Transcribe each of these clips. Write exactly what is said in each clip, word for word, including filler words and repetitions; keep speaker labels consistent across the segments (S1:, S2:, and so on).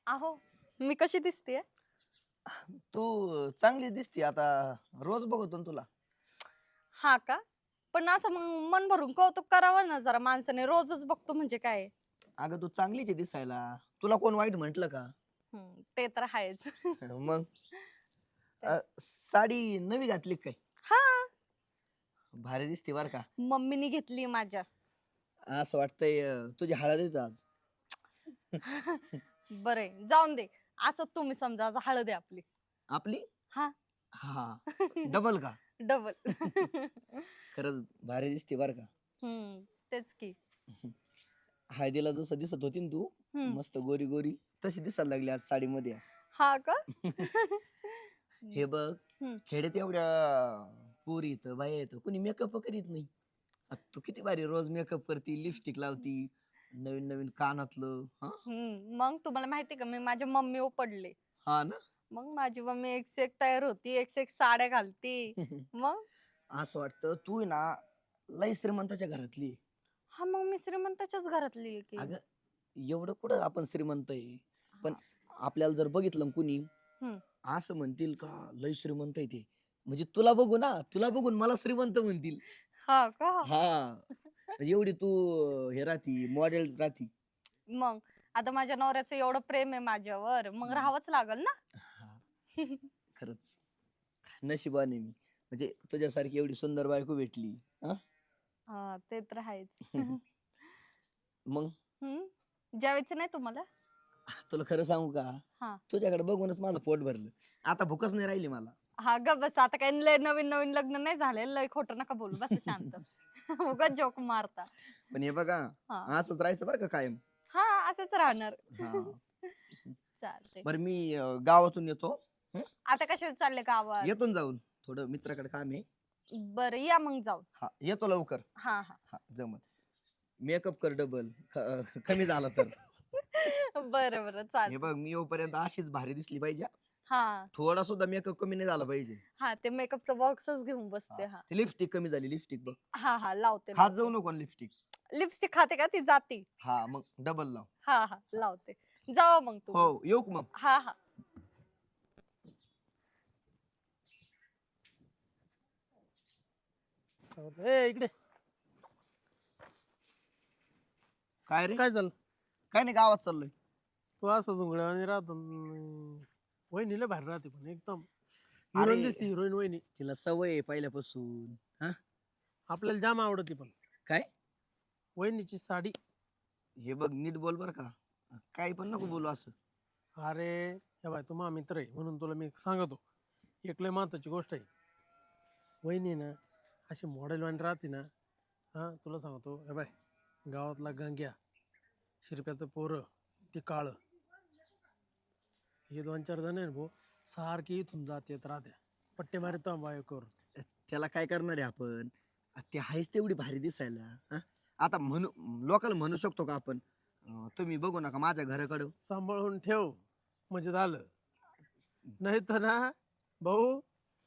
S1: अहो, मी कशी दिसतेय?
S2: तू चांगली दिसते आता. रोज बघतो ना तुला.
S1: हा का? पण असं मग मन भरून कौतुक करावं ना जरा माणसाने. रोजच बघतो म्हणजे काय आहे?
S2: अगं तू चांगलीच आहे दिसायला. तुला कोण वाईट म्हंटल का?
S1: हम्म, ते तर आहेच.
S2: मग
S1: तेच.
S2: अ, साडी नवी घातली का काय?
S1: हा,
S2: भारी दिसते बर का.
S1: मम्मीनी घेतली माझ्या.
S2: असं वाटतंय अ, तुझी हळद आहे आज.
S1: बरंय, जाऊन दे. असं तुम्ही समजा आज हळद आहे आपली.
S2: आपली
S1: हा.
S2: हा डबल का?
S1: डबल.
S2: खरंच भारी दिसते बर का.
S1: हम्म, तेच की.
S2: हळदीला जसं दिसत होती ना तू,
S1: हम्म.
S2: मस्त गोरी गोरी, तशी दिसायला लागली आज साडीमध्ये.
S1: हा का?
S2: हे बघ,
S1: हम्म.
S2: खेड्यात एवढ्या पोरी येतं बाया येतं कोणी मेकअप करीत नाही. आ, तू किती भारी रोज मेकअप करती, लिपस्टिक लावती, नवीन नवीन कानातलं हा.
S1: हम्म, मग तुम्हाला माहिती का मी माझ्या मम्मीवर पडले.
S2: हा ना.
S1: मग माझी मम्मी एक से एक तयार होती, एक से एक साड्या घालती. मग
S2: असं वाटतं तू आहे ना लई श्रीमंताच्या घरातली आहे.
S1: हा, मग मी श्रीमंताच्याच घरातली आहे की.
S2: अगं एवढं कुठं आपण श्रीमंत आहे. पण
S1: हा.
S2: आपल्याला जर बघितलं ना कुणी,
S1: हम्म.
S2: असं म्हणतील का लई श्रीमंत आहे ते. म्हणजे तुला बघू ना, तुला बघून मला श्रीमंत म्हणतील.
S1: हा का?
S2: हा, म्हणजे एवढी तू अं, हे राहती मॉडेल राहती.
S1: मग आता माझ्या नवऱ्याचं एवढं प्रेम आहे माझ्यावर, मग
S2: हम्म.
S1: राहावंच लागल ना.
S2: हा, खरंच नशिबाने मी म्हणजे तुझ्यासारखी एवढी सुंदर बायको भेटली. हा.
S1: हा, ते तर आहेच.
S2: मग
S1: हम्म, जेवायचं नाही तुम्हाला?
S2: तुला खरं सांगू का,
S1: हा.
S2: तुझ्याकडे बघूनच माझं पोट भरलं. आता भूकच नाही राहिली मला.
S1: हा, ग बस. आता काही लय नवीन नवीन लग्न नाही झाले, लय खोटं नका बोलू, बस शांत. उगाच जोक मारता.
S2: पण हे बघा,
S1: हा.
S2: असंच राहायचं बरं का कायम.
S1: हा, असंच राहणार.
S2: हा.
S1: चालते.
S2: बरं मी अं, गावातून येतो. हं?
S1: आता कसे चालले गावात?
S2: येतो ना जाऊन, थोडं मित्राकडे काम आहे.
S1: बरं, या मग जाऊन.
S2: हा येतो लवकर.
S1: हा हा.
S2: हा जमत. मेकअप कर डबल कमी झाला तर.
S1: बरं बरं,
S2: हे
S1: चालते.
S2: बघ मी येऊपर्यंत अशीच भारी दिसली पाहिजे हा.
S1: हा
S2: थोडा सुद्धा मेकअप कमी नाही झाला पाहिजे.
S1: हा, ते मेकअपचा बॉक्सच घेऊन
S2: हा
S1: बसते. हा
S2: ती लिपस्टिक कमी झाली, लिपस्टिक बघ.
S1: हा हा, लावते
S2: खात जाऊ
S1: लावते.
S2: नको लिपस्टिक.
S1: लिपस्टिक खाते का ती जाती?
S2: हा मग डबल लाव.
S1: हा हा, लावते. जावा मग
S2: हो
S1: तुम्ही.
S2: येऊ का मग.
S1: हा हा.
S3: ए इकडे
S2: काय रे.
S3: काय झालं?
S2: काय नाही गावात चाललोय.
S3: तू असं झुंगड्या आणि राहतो अं, वहिनीला बाहेर राहते पण एकदम
S2: अरे
S3: हिरोईन दिसते, हिरोईन वहिनी.
S2: तिला सवय आहे पहिल्यापासून. हा
S3: आपल्याला जाम आवडते पण
S2: काय.
S3: वहिनीची साडी.
S2: हे बघ नीट बोल बर का. काही पण नको बोलू असं.
S3: अरे हे बाय, तू माझा मित्र आहे म्हणून तुला मी सांगतो. एक लय महत्वाची गोष्ट आहे. वहिनी ना अशी मॉडेल वाणी राहते ना. हा तुला सांगतो, हे बाय, गावातला गंग्या, शिरप्याचं पोरं, ते काळं, हे दोन चार जण आहे ना भाऊ, सारखी इथून जात येत राहत्या, पट्टे मारित बायकोवर.
S2: त्याला काय करणार आहे आपण. ते आहेच तेवढी भारी दिसायला. हा? आता म्हणू लोकांना म्हणू शकतो का आपण अं, तुम्ही बघू नका माझ्या घराकडं.
S3: सांभाळून ठेव म्हणजे झालं. नाही तर ना भाऊ.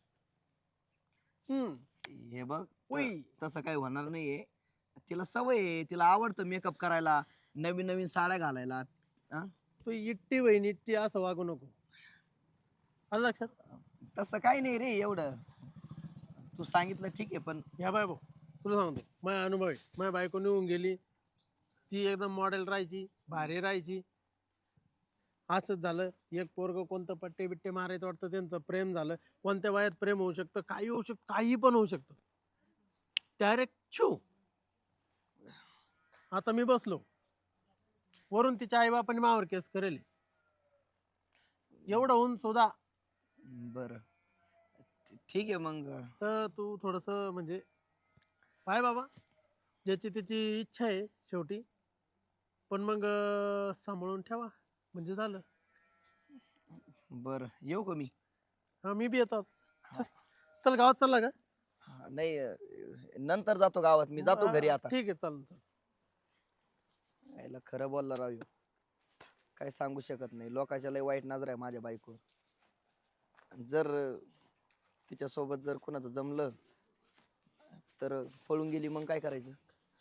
S3: हम्म.
S2: हे बघ त-
S3: उई.
S2: तसं काही होणार नाहीये. तिला सवय आहे, तिला आवडतं मेकअप करायला, नवीन नवीन साड्या घालायला. हा?
S3: तू इट्टी बहीण इट्टी असं वागू नको. आलं लक्षात?
S2: तसं काही नाही रे एवढं. तू सांगितलं ठीक आहे पण
S3: या बाय भाऊ, तुला सांगतो माझा अनुभव आहे. माझ्या बायको निघून गेली, ती एकदम मॉडेल राहायची, भारी राहायची. असंच झालं, एक पोरग कोणतं पट्टे बिट्टे मारायचं वाटतं, त्यांचं प्रेम झालं. कोणत्या वयात प्रेम होऊ शकतं, काही होऊ शकतं, काही पण होऊ शकतं. डायरेक्ट छू. आता मी बसलो, वरून तिच्या आईबापाने मावर केस करेल. एवढं होऊन सुद्धा
S2: बरं ठीक आहे मग.
S3: तर तू थोडस म्हणजे पाय बाबा, ज्याची त्याची इच्छा आहे शेवटी. पण मग अं, सांभाळून ठेवा म्हणजे झालं.
S2: बरं येऊ का मी.
S3: हा मी बी येतो आता. चल चल, गावात चालला का?
S2: हा, नाही अं, नंतर जातो गावात, मी जातो घरी आता.
S3: ठीक आहे, चालेल चल.
S2: यायला खरं बोलला राव ह्यो. काय सांगू शकत नाही, लोकांच्या लय वाईट नजर आहे माझ्या बायकोवर. जर तिच्या सोबत जर कुणाचं जमलं तर पळून गेली मग काय करायचं.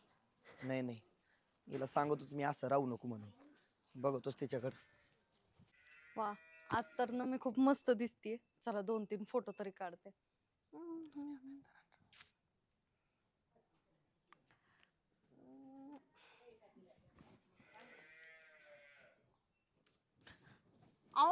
S2: नाही नाही, हिला सांगतोच मी असं राहू नको म्हणून. बघतोच तिच्याकडं.
S1: वा, आज तर ना मी खूप मस्त दिसतीये. चला दोन तीन फोटो तरी काढते. अहो,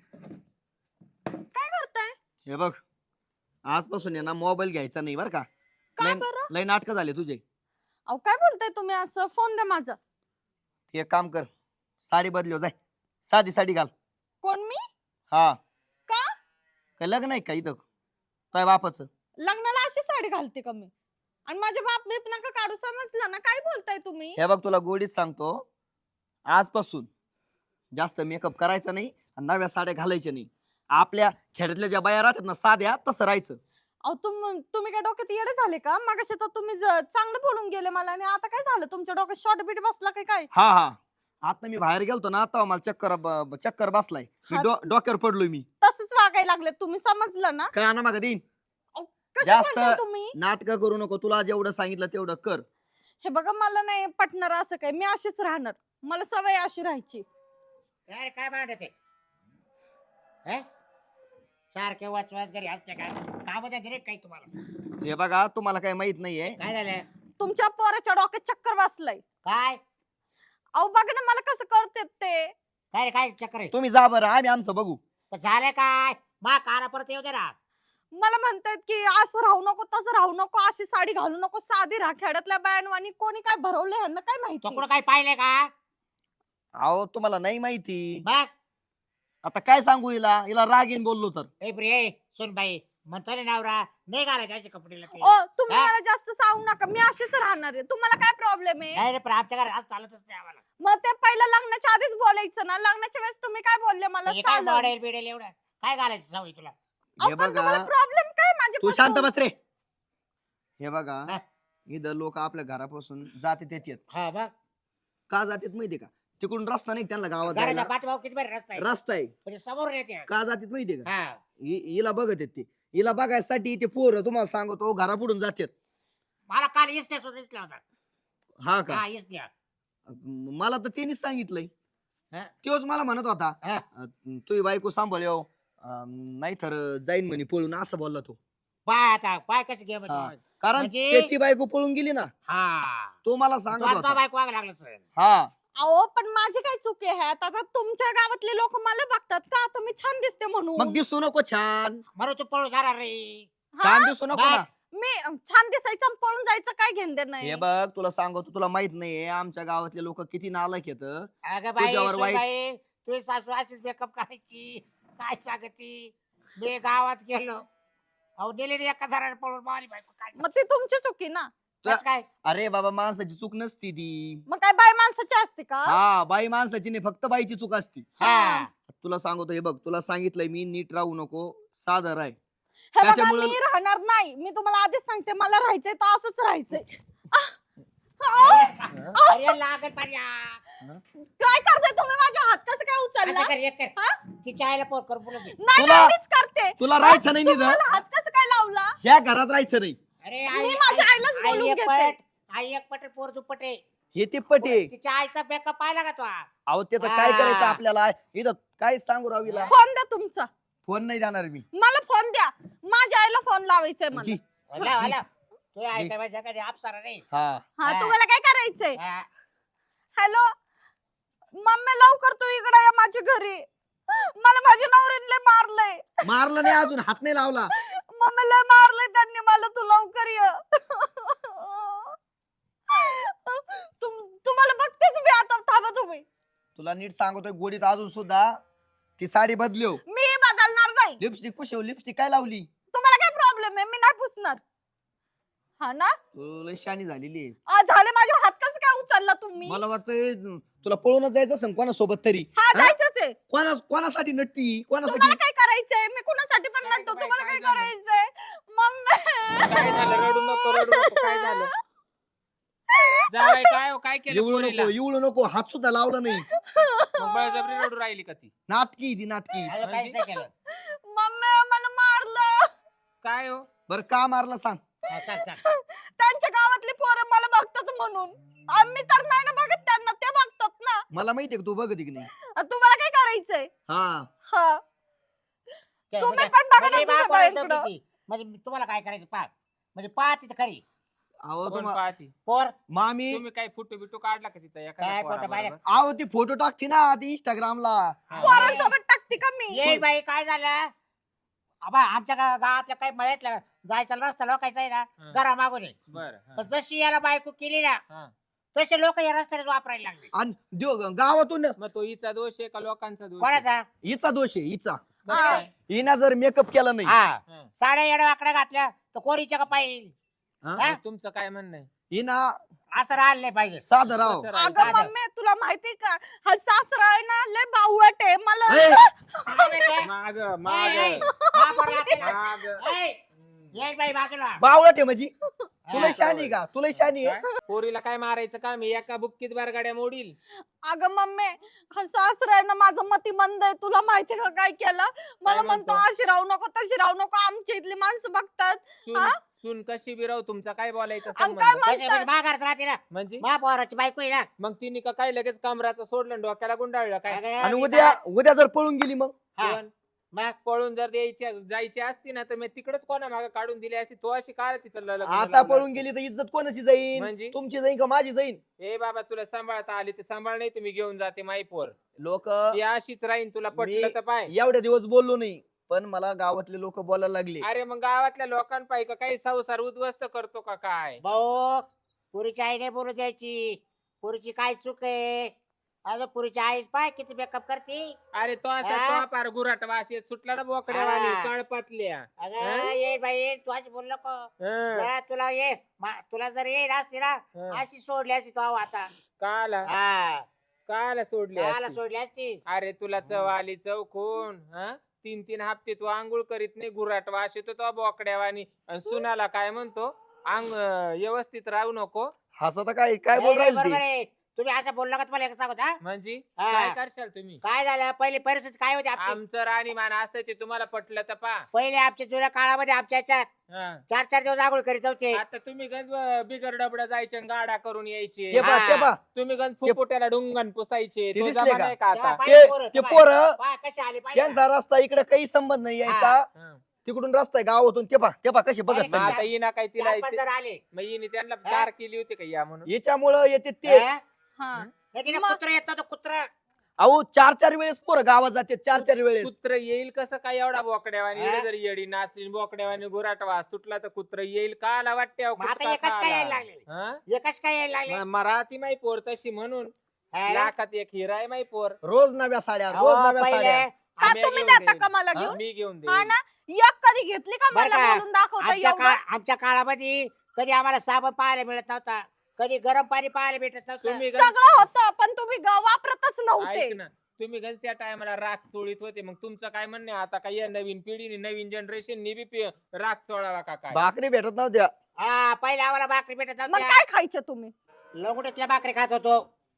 S1: काय करताय?
S2: हे बघ, आजपासून आहे ना मोबाईल घ्यायचा नाही बरं का.
S1: का
S2: लय
S1: बरं?
S2: लय नाटकं झाले तुझे.
S1: अहो काय बोलताय तुम्ही असं? फोन द्या माझा.
S2: एक काम कर, साडी बदलव जाय, साधी साडी घाल.
S1: कोण मी?
S2: हा,
S1: का?
S2: काय लग्न आहे का इथं तुझ्या बापाचं?
S1: लग्नाला अशी साडी घालते का मी? आणि माझ्या बाप बीप नका काढू, समजलं ना? काय बोलताय तुम्ही?
S2: हे बघ तुला गोडीच सांगतो, आजपासून जास्त मेकअप करायचा नाही आणि नव्या साड्या घालायच्या नाही. आपल्या खेड्यातल्या ज्या बाया राहतात ना साध्या, तसं राहायचं.
S1: अहो तुम तुम्ही काय डोक्यात येडे झाले का? मगाशी तर तुम्ही ज- चांगलं बोलून गेले मला, आणि आता काय झालं? तुमच्या डोक्यात शॉर्ट बीट बसला काय काय?
S2: हा हा, आता मी बाहेर गेलतो ना, आता मला चक्कर ब- ब- चक्कर बसलाय. मी
S1: हा.
S2: डो- डोक्यावर पडलोय मी.
S1: तसंच वागायला लागले तुम्ही, समजलं ना?
S2: का ना मागं देईन.
S1: कशी
S2: जास्त
S1: बोलताय तुम्ही?
S2: नाटक करू नको, तुला जेवढं सांगितलं तेवढं कर.
S1: हे बघा, मला नाही पटणार असं काय. मी अशीच राहणार, मला सवय अशी राहायची.
S4: अरे काय भांडत आहे सारखे वाच वाच घरी असते काय काम दिले काही तुम्हाला?
S2: हे बघा, तुम्हाला काही माहित नाहीये.
S4: काय झालं?
S1: तुमच्या पोराच्या डोक्यात चक्कर बसलाय.
S4: काय
S1: अहो बघा ना मला कसं करते ते.
S4: काय रे काय चक्कर आहे?
S2: तुम्ही जा बरं, आम्ही आमचं बघू.
S4: पण झालं काय? मा काना परत येऊ दे ना.
S1: मला म्हणतात की असं राहू नको, तसं राहू नको, अशी साडी घालू नको, साधी राहा. खेड्यातल्या बायांवानी कोणी काय भरवले ह्यांना काय
S4: तो
S1: माहिती?
S4: कुठं काय पाहिलंय का?
S2: अहो तुम्हाला नाही माहिती.
S4: बघ
S2: आता काय सांगू हिला, हिला राग येईन बोललो तर.
S4: ए प्रिय सुन बाई, म्हणतो ना नवरा नाही घालायचे असे कपडेला ते.
S1: ओ तुम्ही
S4: हा?
S1: मला जास्त सांगू नका, मी अशीच राहणार आहे. तुम्हाला काय प्रॉब्लेम आहे?
S4: नाही रे, पण आमच्या घरात आज चालतच नाही आम्हाला.
S1: मग ते पहिलं लग्नाच्या आधीच बोलायचं ना. लग्नाच्या वेळेस तुम्ही काय बोलले मला?
S4: हे काय
S1: चालेल.
S4: मॉडेल बिडेल एवढं काय घालायचं सवय तुला?
S1: अहो,
S2: हे
S1: पण
S2: बघा,
S1: तुम्हाला प्रॉब्लेम काय माझे?
S2: तू शांत बस रे. हे बघा,
S4: हा.
S2: इथं लोक आपल्या घरापासून जाते येतात.
S4: हा बघ,
S2: का जातात माहितीये का? तिकडून रस्ता नाही त्यांना गावात
S4: घराच्या
S2: जायला.
S4: पाठीमाग किती बरं रस्ता आहे
S2: रस्ता आहे.
S4: म्हणजे समोर येते.
S2: का जातात माहितीये का?
S4: हा
S2: हि- हिला बघत आहेत ते. हिला बघायसाठी ते पोर तुम्हाला सांगतो घरापुढून जातात.
S4: मला काल इसल्या सुद्धा दिसला होता.
S2: हा का?
S4: हा इसल्या.
S2: मला तर त्यांनीच सांगितलंय.
S4: हा.
S2: तोच मला म्हणत होता,
S4: हा.
S2: तुझी बायको सांभाळ येऊ, नाही तर जाईन म्हणे पळून, असं बोलला तो.
S4: पाय आता पाय कसं घे
S2: हा. कारण
S4: म्हणजे-
S2: त्याची बायको पळून गेली ना,
S4: हा
S2: तो मला सांगत
S4: तो आता
S2: होता.
S4: बायको वाग लागला सर.
S2: हा,
S1: अहो पण माझी काय चुकी आहे? आता आता तुमच्या गावातले लोक मला बघतात का आता मी छान दिसते म्हणून?
S2: मग दिसू नको छान.
S4: म्हणून तू पळून जाणार रे.
S1: हा?
S2: छान दिसू नको
S4: बाय.
S2: ना.
S1: मी अं, छान दिसायचं आणि पळून जायचं काय घेणं देणं नाही.
S2: हे बघ, तुला सांगतो, तुला माहित नाहीये आमच्या गावातले लोक किती नालायक येत.
S4: अगं बाई
S2: तुझ्यावर वाईट-
S4: बाई तुझी सासू अशीच मेकअप करायची काय सांगती. मी गावात गेलो अहो नेले रे एका जरा पळून मारी बायको काय
S1: मग ती तुमची चुकी ना.
S4: कसं काय?
S2: अरे बाबा, माणसाची चूक नसती ती.
S1: मग काय बाय माणसाची असते का?
S2: हा, बाई माणसाची नाही, फक्त बाईची चूक असती.
S4: हा
S2: तुला सांगतो, हे बघ, तुला सांगितलंय मी, नीट राहू नको, साधं राह.
S1: हे बघा,
S2: त्याच्यामुळं-
S1: मी राहणार नाही. मी तुम्हाला आधीच सांगते, मला राहायचंय तर असंच राहायचंय. आह! आह!
S4: अरे लागल पाड्या.
S1: काय करताय तुम्ही? माझ्या हात कसं काय उचलला?
S4: असं कर एक कर
S1: हा?
S4: तिच्या आईला फोन करून बोलत दे.
S1: नाही
S2: तुला-
S1: नाही, मीच करते.
S2: तुला राहायचं नाही
S1: तुम्ही
S2: निधं.
S1: मला हात कसं काय लावला?
S2: ह्या घरात राहायचं नाही.
S4: अरे
S1: मी माझ्या आईलाच
S4: आई
S1: बोलून
S4: एक
S1: घेते.
S4: पट आई एक पट पोर दुप्पट आहे.
S2: हे ते पटे.
S4: तिच्या आईचा मेकअप पाहिला का तो?
S2: अहो त्याचं काय
S4: हा.
S2: करायचं आपल्याला इथं? काय सांगू रावीला?
S1: फोन द्या तुमचा.
S2: फोन नाही जाणार मी.
S1: मला फोन द्या. माझ्या आईला फोन लावायचंय मला.
S2: घे.
S4: हला हला तू आई काय माझ्या घरी आपसारा नाही.
S2: हा,
S1: हा,
S4: हा.
S1: तुम्हाला काय करायचंय?
S4: हा.
S1: हॅलो मम्मी, लवकर तू इकडे ये माझ्या घरी. मला माझ्या नवरीने मारलंय.
S2: मारलं नाही अजून, हात नाही लावला.
S1: मम्मी लय मारलंय त्यांनी मला. तू लवकर ये. तुम- तुम्हाला बघतेच मी आता. थांबा तुम्ही.
S2: तुला नीट सांगतोय, गोडीत अजून सुद्धा ती साडी बदलव.
S1: मी बदलणार नाही.
S2: लिपस्टिक पुशव. लिपस्टिक काय लावली?
S1: तुम्हाला काय प्रॉब्लेम आहे? मी नाही पुसणार. हा ना?
S2: तू लय शानी झालेली आहे.
S1: आ, झाले. माझ्या हात कसं काय उचलला तुम्ही?
S2: मला वाटतंय तुला पळूनच जायचं असं कोणासोबत तरी.
S1: हा,
S2: हा?
S1: जायचंच आहे.
S2: कोणा कोणासाठी नटती? कोणासाठी?
S1: तुम्हाला काय करायचंय? मी कुणासाठी पण
S4: काय
S1: म्हणतो.
S4: बाई,
S1: तुम्हाला
S4: काय
S1: काय
S4: झालं?
S1: करायचंय? मम्मी
S3: काय झालं? रडू नको रडू नको. काय झालं? जावाई काय हो, काय केलं
S2: एवढू
S3: पोरीला?
S2: नको, एवढू नको. हात सुद्धा लावला नाही.
S3: मग बळजबरी रडू राहिली का ती?
S2: नाटकी ती नाटकी.
S4: अजून काहीच नाही केलं.
S1: मम्मी मला मारलं.
S3: काय हो?
S2: बरं का मारला सांग?
S4: हा, सांग सांग.
S1: त्यांच्या गावातली पोरं मला बघतात म्हणून. आम्ही तर नाही ना बघत त्यांना, ते बघतात ना.
S2: मला माहितीये का तू बघत की नाही.
S1: तुम्हाला काय करायचं? द्यायचंय
S2: हा
S1: हा
S4: ते
S1: तुम्ही
S4: म्हणजे-
S1: पण बघा ना
S4: म्हणजे
S1: तुझ्या
S4: बाप बोलायचं
S1: बाईकडं.
S4: किती? म्हणजे तुम्हाला काय करायचं पा म्हणजे पाहती तर खरी
S2: अहो
S5: कोण
S2: तुम्हा
S5: पाहती
S4: पोर
S2: मामी
S5: तुम्ही काय फोटो बिटो काढला का तिचा
S4: काय
S5: एखाद्या
S4: photo
S5: पोराबरोबर?
S4: पाहिला?
S2: अहो ती फोटो टाकते ना ती इंस्टाग्रामला
S5: हा.
S1: पोरांसोबत टाकते का मी
S4: येईल बाई काय झालं आबा आमच्या गा- गावातल्या काही मळ्यातल्या जायचा रस्ता लोकायचा आहे ना
S5: हा.
S4: घरा मागून आहे.
S5: बरं हा.
S4: पण जशी याला बायको केली ना
S5: हा.
S4: तसे लोक या रस्त्याने वापरायला लागले
S2: आणि देव- गावातून
S5: मग तो हिचा दोष आहे का लोकांचा दोष आहे?
S4: कोणाचा
S2: हिचा दोष आहे हिचा
S5: कसं
S1: हा.
S5: काय?
S2: हिना जर मेकअप केला नाही
S4: हा
S5: हा.
S4: साड्या येड्या वाकड्या घातल्या तर कोरीच्या का पाहिजे
S2: हा?
S4: हा?
S5: मग तुमचं काय म्हणणं आहे?
S2: हिना
S4: असं राहिलं नाही पाहिजे
S2: साधं राव
S5: कसं
S1: अगं
S5: राहायचं?
S4: साधं.
S1: मम्मी तुला माहिती का हा सासरा आहे ना लय बावळट आहे मला
S2: ए,
S5: माग
S4: ए,
S5: माग
S4: ए, हा बरं आपल्याला.
S5: माग
S4: ए, ये बाई बाजूला
S2: बावळट आहे म्हणजे तुला
S4: हा.
S2: शानी का तुला शानी आहे
S5: काय? पोरीला काय मारायचं का मी एका बुक्कीत बार गाड्या मोडील
S1: अगं मम्मी हा सासरा आहे ना माझं मती मंद आहे तुला माहिती का काय केलं मला म्हणतो
S5: म्हणतो?
S1: अशी राहू नको तशी राहू नको आमच्या इथली माणसं बघतात
S5: सून
S1: हा?
S5: सून कशी बिराव तुमचा काय बोलायचं
S1: आणि काय
S5: संबंध
S1: म्हणतात?
S4: कशी म्हणजे माघारात राहते ना
S5: म्हणजे
S4: महापौराची बायको आहे ना
S5: मग तिने का काय लगेच कमराचं सोडलं आणि डोक्याला गुंडाळलं काय
S4: अगं,
S2: आणि
S4: मी
S2: उद्या
S4: काय-
S2: उद्या जर पळून गेली मग
S4: हा.
S5: पण
S4: मग
S5: पळून जर द्यायची जायची असती ना तर मी तिकडेच कोणा मागे काढून दिली असती तो अशी काय तिचं ल- लग्न
S2: आता
S5: लावलं
S2: पळून
S5: असतं?
S2: गेली तर इज्जत कोणाची जाईन
S5: म्हणजे?
S2: तुमची जाईन का माझी जाईन
S5: ए बाबा तुला सांभाळता आली तर सांभाळ नाही तर मी घेऊन जाते माई पोर
S2: लोक
S5: ती अशीच राहीन तुला पटलं
S2: मी-
S5: तर पाय
S2: एवढ्या दिवस बोललो नाही पण मला गावातले लोक बोलायला लागले
S5: अरे मग गावातल्या लोकांपाई का काही संसार उद्ध्वस्त करतो का काय
S4: भाऊ पुरीची आई नाही बोलू द्यायची पुरीची काय चूक आहे अगं पुरीची आई पाय किती बेकअप करते
S5: अरे तो असा
S4: हा?
S5: तो पार गुराट वाशी सुटला ना बोकड्यावानी
S4: हा.
S5: कळपातल्या
S4: अगं
S5: हा?
S4: ये बाई तू अशी बोल नको
S5: हं,
S4: जा, तुला ये मा- तुला जर येईल असती ना
S5: हं.
S4: अशी सोडली असती तो आता
S5: काला
S4: हा
S5: काला सोडली
S4: काला
S5: असती?
S4: सोडली असती
S5: अरे तुला चव आली चौकून हा तीन तीन हप्ते तू आंघोळ करीत नाही गुराट वास येतो तो बोकड्यावानी आणि सुनाला काय म्हणतो अंग व्यवस्थित राहू नको
S2: हसत काय काय
S4: नाही,
S2: बोल
S4: नाही,
S2: राहील
S4: बरोबर
S2: ती
S4: आहे तुम्ही असं बोलला का तुम्हाला एक सांगत हा
S5: म्हणजे
S4: हा.
S5: काय करशाल तुम्ही
S4: काय झालं पहिली परिस्थिती काय होती आपली
S5: आमचं राणीमान असायचे तुम्हाला पटलं तर पा
S4: पहिले आमच्या जुन्या काळामध्ये आमच्या याच्यात
S5: हा.
S4: चार चार दिवस आंघोळ करीत होते
S5: आता तुम्ही गंज बिगर डबडा जायचे आणि गाडा करून यायचे
S2: ते पा
S4: हा.
S2: ते पा
S5: तुम्ही गंज फुफुट्याला डुंगण पुसायचे
S2: ते
S5: तो
S2: दिसले
S5: जमाना
S2: का?
S5: आहे का
S4: तेव्हा
S5: आता
S4: पाहिजे
S2: ते
S4: पोरं,
S2: ते
S4: पाय-
S2: पोर
S4: पाय कसे आले पाहिजे
S2: त्यांचा रस्ता इकडे काही संबंध नाही यायचा
S5: हा.
S2: तिकडून रस्ता आहे गावातून ते पा ते पा कशी बघत
S4: नाही,
S5: मग
S2: चालली.
S5: आता येईना काय तिला
S4: चार पाच जण आले
S5: मग हिने त्यांना
S4: हा?
S5: दार केली होती का या म्हणून
S2: याच्यामुळं येते ते
S4: हा?
S1: हा
S4: नाही तिने
S1: मग-
S4: कुत्रा येत नव्हतं कुत्रा
S2: अहो चार चार वेळेस पोरं गावात जाते चार चार वेळेस
S5: कुत्र येईल कसं काय एवढा बोकड्यावानी
S4: हा?
S5: एवढी जर येडी नाचली बोकड्यावानी गुराट वास सुटला तर कुत्र येईल का आला वाटते अहो,
S4: मग आता
S5: कुत्रा
S4: एकच काय यायला
S5: खायला.
S4: लागले
S5: हा?
S4: एकच काय यायला लागले
S5: म- मराठी माई पोर तशी म्हणून
S4: हा ना?
S5: लाखात एक हिरा आहे माई पोर
S2: रोज नव्या साड्या
S4: अहो,
S2: रोज नव्या
S4: पहिले
S2: साड्या
S1: का
S5: आम्ही
S1: तुम्ही
S5: घेऊन
S1: देता
S5: देईन.
S1: का मला
S5: हा,
S1: घेऊन
S5: मी घेऊन
S1: हा
S5: देईन
S1: ना एक कधी घेतली का
S4: बरं
S1: मला
S4: का?
S1: बोलून दाखवता
S4: आमच्या
S1: एवढं
S4: काळ आमच्या काळामध्ये कधी आम्हाला साबण पाहायला मिळत नव्हता कधी गरम पाणी पाहायला भेटत नव्हतं
S5: तुम्ही गंज-
S1: सगळं होतं पण तुम्ही ग- वापरतच नव्हते
S5: ऐक ना तुम्ही गंज त्या टायमाला राग चोळीत होते मग तुमचं काय म्हणणे आता काय या नवीन पिढीने नवीन जनरेशन बी पि- राग चोळावा का काय
S2: भाकरी भेटत नव्हत्या
S4: हा पहिले आम्हाला भाकरी भेटत
S1: मग
S4: नव्हत्या
S1: काय खायचं तुम्ही
S4: लंगोटीतल्या भाकरी खात होतो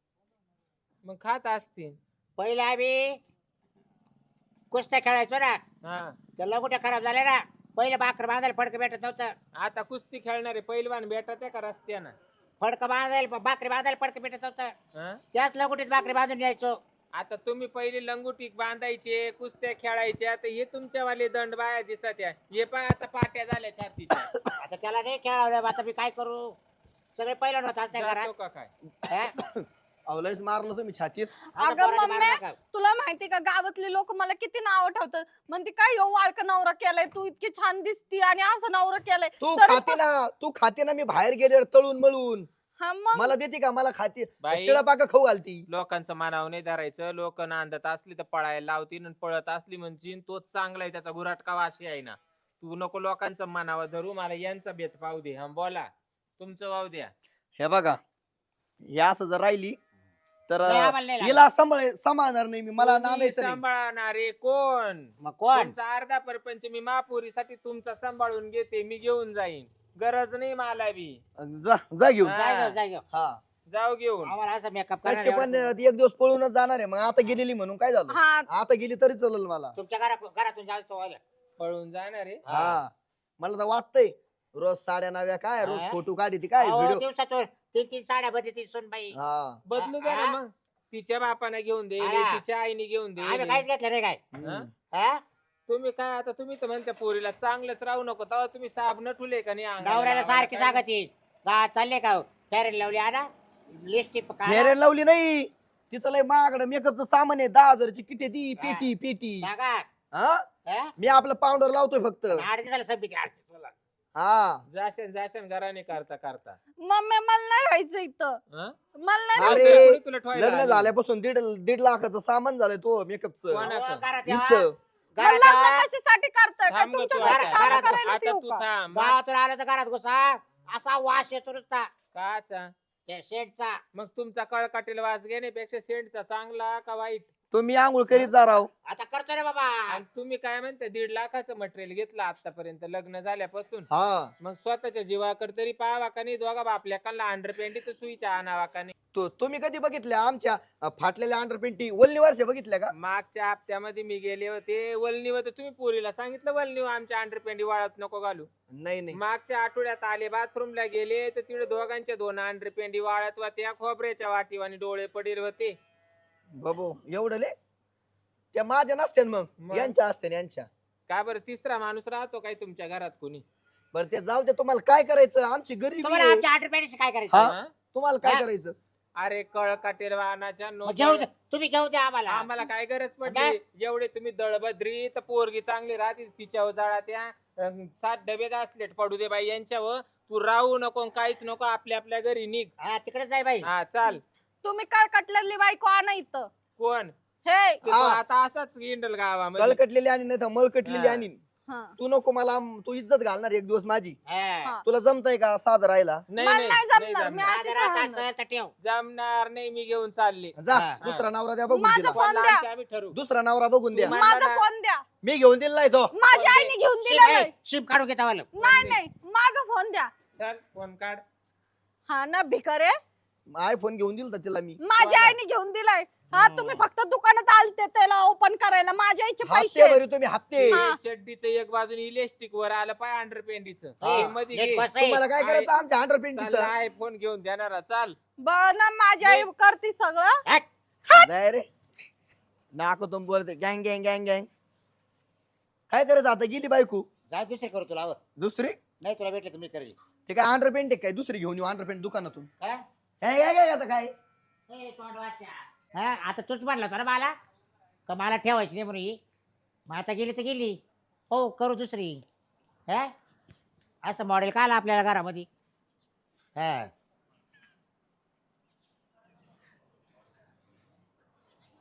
S5: मग खात असतील
S4: पहिले आम्ही कुस्त्या खेळायचो ना
S5: हा
S4: त्या लंगोट्या खराब झाल्या ना पहिले भाकर बांधायला फडकं भेटत नव्हतं
S5: आता कुस्ती खेळणारे पैलवान भेटत आहे का रस्त्यानं
S4: फडकं बांधायला भाकरी बांधायला फडकं भेटत नव्हतं
S5: हा?
S4: त्याच लंगोटीत भाकरी बांधून यायचो
S5: आता तुम्ही पहिले लंगोटी बांधायचे कुस्त्या खेळायचे आता हे तुमच्यावाले दंड बाया दिसत आहे हे पाय आता पाट्या झाल्या छातीच्या
S4: आता त्याला नाही खेळावलं आता मी काय करू सगळे पहिला नव्हतं त्या
S5: जातो
S4: घरात
S5: का काय
S4: हा?
S2: अवलंच मारलं तुम्ही छातीत
S4: आता
S1: अगं
S4: पोरांनी
S1: मम्मी,
S4: मारू नका.
S1: तुला माहिती का गावातले लोक मला किती नाव ठेवतात म्हणते काय यो वाळका नवरा केलाय तू इतकी छान दिसती आणि असं नवरा केलाय
S2: तू
S1: तरी
S2: खाते ना तू खाते ना मी बाहेर गेले तळून मळून
S1: हा मग
S2: मला देते का मला खाते
S5: बाई
S2: शिळा पाका खाऊ घालती
S5: लोकांचं मानाव नाही धरायचं लोक नांदत असली तर पळायला लावतील आणि पळत असली म्हणजे तोच चांगला आहे त्याचा गुराटका वाशी आहे ना तू नको लोकांचं मानावं धरू मला यांचा भेद पाहू दे हा बोला तुमचं वाहू द्या
S2: हे बघा हे असं जर राहिली तर
S4: नाही, आम्हाला नाही लागत.
S2: हिला सांभाळ सांभाळणार नाही मी मला
S5: तुम्ही
S2: नांदायचं नाही
S5: सांभाळणारे कोण
S4: मग कोण
S5: तुमचा अर्धा परपंच मी महापुरीसाठी तुमचा सांभाळून घेते मी घेऊन जाईन गरज नाही मला बी
S2: जा जा घेऊन
S5: हा.
S4: जाय जाऊ जाय जाऊ
S2: हा
S5: जाऊ घेऊन
S4: आम्हाला असं मेकअप
S2: तसे पण एक दिवस पळूनच जाणार आहे मग आता गेलेली म्हणून काय झालं
S1: हा
S2: आता गेली तरी चालेल मला
S4: तुमच्या घरा घरातून जायचं व्हायला
S5: पळून जाणार आहे
S2: हा मला तर वाटतंय रोज साड्या नव्या काय रोज
S4: हा?
S2: फोटो काढी काय
S4: अहो,
S2: व्हिडिओ
S4: दिवसातून तीन तीन साड्या बदलती सोनबाई
S2: हा
S5: बदलू द्या ना
S4: हा?
S5: मग तिच्या बापाने घेऊन दे
S4: हा.
S5: तिच्या आईने घेऊन
S4: आम्ही
S5: दे
S4: काहीच घेतलं रे काय
S5: हा?
S4: हा?
S5: तुम्ही काय आता तुम्ही तर म्हणता पोरीला चांगलंच राहू नको तेव्हा तुम्ही साबण ठुले का नाही अंगाला
S4: नवऱ्याला
S5: लावायला
S4: सारखी
S5: काय?
S4: सांगत येईल गा चालले का फॅरेन लावली आणा लिपस्टिक
S2: फेरेन लावली नाही तिचं लय महागडं मेकअपचं सामान आहे दहा हजाराची किती ती पेटी पेटी
S4: सांगा
S2: हा
S4: हा?
S2: मी आपलं पावडर लावतोय फक्त
S4: आठ दिवसाला संपी आठ दिवसाला
S2: हा
S5: जाशन जाशन घराने करता करता
S1: मम्मी मला नाही राहायचं इथं
S5: हा?
S1: मला नाही
S2: अरे,
S1: राहायचं
S5: कोणी तुला ठेवायला
S2: लग्न
S5: आली?
S2: झाल्यापासून दीड दीड लाखाचं सामान झालंय तो मेकअपचं
S5: कोणा-
S4: अहो, घरात
S2: हिचं.
S4: यावा.
S1: मग
S4: घरात
S1: लग्न
S4: यावा.
S1: कशासाठी करताय का
S5: थांब गं
S1: तुमच्या
S5: तू
S1: घरची
S5: आता.
S1: कामं
S4: घरात-
S1: करायलाच
S5: आता
S1: येऊ
S5: तू
S1: का?
S5: थांब
S4: गावातून आलं तर घरात घुसा असा वास येतो नुसता
S5: काचा
S4: त्या शेडचा
S5: मग तुमचा कळकाटीला वास घेण्यापेक्षा सेंटचा चांगला का वाईट
S2: तुम्ही आंघोळ करीत जा राव
S4: आता करतो रे बाबा
S5: आणि तुम्ही काय म्हणता दीड लाखाचं मटेरियल घेतलं आतापर्यंत लग्न झाल्यापासून
S2: हा
S5: मग स्वतःच्या जीवाकडे तरी पाहावा का नाही दोघा बापल्याकांना अंडर पेंडीच सुईच्या आणावा का नाही
S2: तो तुम्ही कधी बघितल्या आमच्या अ, फाटलेल्या अंडरपेंटी वल्ली वर्ष बघितल्या का
S5: मागच्या हप्त्यामध्ये मी गेले होते वलनी होते तुम्ही पोरीला सांगितलं वलनी आमच्या अंडर पेंडी वाळत नको घालू
S2: नाही नाही
S5: मागच्या आठवड्यात आले बाथरूमला गेले तर तिकडे दोघांच्या दोन अंडर पेंडी वाळत होत्या खोबऱ्याच्या वाटीवानी डोळे पडेल होते
S2: बाबू एवढं ले त्या माझ्या नसत्या मग
S5: मग?
S2: यांच्या असते यांच्या
S5: का बरं तिसरा माणूस राहतो काय तुमच्या घरात कोणी
S2: बरं ते जाऊ दे तुम्हाला काय करायचं आमची गरीबी
S4: तुम्हाला
S2: आहे.
S4: आमच्या आठ रुपयाची काय करायचं
S2: हा?
S5: हा?
S2: तुम्हाला काय
S4: हा?
S2: करायचं
S5: अरे कळ काटेर वाहनाच्या
S4: मग
S5: नो
S4: घेऊ द्या तुम्ही घेऊ द्या आम्हाला
S5: आम्हाला काय गरज
S4: काय?
S5: पडली एवढे तुम्ही दळबद्री तर पोरगी चांगली राहते तिच्यावर जाळा त्या अं, सात डबे घासलेट पडू दे बाई यांच्यावर तू राहू नको काहीच नको आपल्या आपल्या घरी निघ
S4: हा तिकडे जाय बाई
S5: हा चाल
S1: तुम्ही काळ कटलेली बायको आणा इथं
S5: कोण
S1: हे
S5: ते तो
S2: हा.
S5: आता असाच इंडल गावामध्ये
S2: कळकटलेली आणि नाही तर मळकटलेली
S5: हा.
S2: आणि
S1: हा.
S2: तू नको मला आम- तू इज्जत घालणार एक दिवस माझी
S4: हा.
S1: हा.
S2: तुला जमतय का साधं राहायला
S5: नाही
S1: मला
S5: नाही
S1: नाही
S5: नाही
S1: जमणार, मी
S5: जमणार.
S1: अशीच
S4: आज रात
S1: राहणार.
S4: असेल तर ठेव
S5: जमणार नाही मी घेऊन चालले
S2: जा
S4: हा.
S2: दुसरा नवरा द्या बघून
S1: माझं
S2: दिला
S1: फोन द्या.
S5: लहानचे आम्ही ठरवू
S2: दुसरा नवरा बघून द्या
S5: तुम्हा-
S1: माझा
S5: मला-
S1: फोन द्या
S2: मी घेऊन दिला नाही तो
S1: माझ्या
S5: फोन
S1: आईने घेऊन
S4: शिम
S1: दिला
S4: ए, शिम काढून घेता वाला
S1: नाही नाही माझा फोन द्या
S5: चल फोन काढ
S1: हा ना भिकारे
S2: आयफोन घेऊन दिला तिला मी
S1: माझ्या
S5: कोणाला?
S1: आईने घेऊन दिलाय हा तुम्ही फक्त दुकानात आलते त्याला ओपन करायला माझ्या आईचे
S2: हप्ते
S1: पैसे
S2: भरी तुम्ही हप्ते
S1: हा.
S5: चड्डीचं एक बाजून इलेस्टिक वर आलं पाय अंडर पेंडीचं
S2: हा.
S5: हे मध्ये
S4: नीट
S5: घे.
S4: बस आहे.
S2: तुम्हाला काय करायचं आमच्या हंड्रेड
S5: चाल
S2: पेंटीचं
S5: आय फोन घेऊन देणार चाल
S1: बर ना माझी आई करते सगळं
S4: हट.
S2: नाही रे नाको तुम बोलते गँग गँग गँग गँग काय करायचं आता गेली बायको
S4: जा दुसरी करू तुला आवं.
S2: दुसरी
S4: नाही तुला भेटले तुम्ही करेल
S2: ते काय अंडर पेंट काय दुसरी घेऊन येऊ अंडर पेंट दुकानातून
S4: काय
S2: हे, हे, हे, आता काय
S4: ए, तोंड वाचा. हा आता तूच म्हणला होता ना मला का मला ठेवायची नाही म्हणून ही मग आता गेली तर गेली हो करू दुसरी हा असं मॉडेल का आलं आपल्याला घरामध्ये हा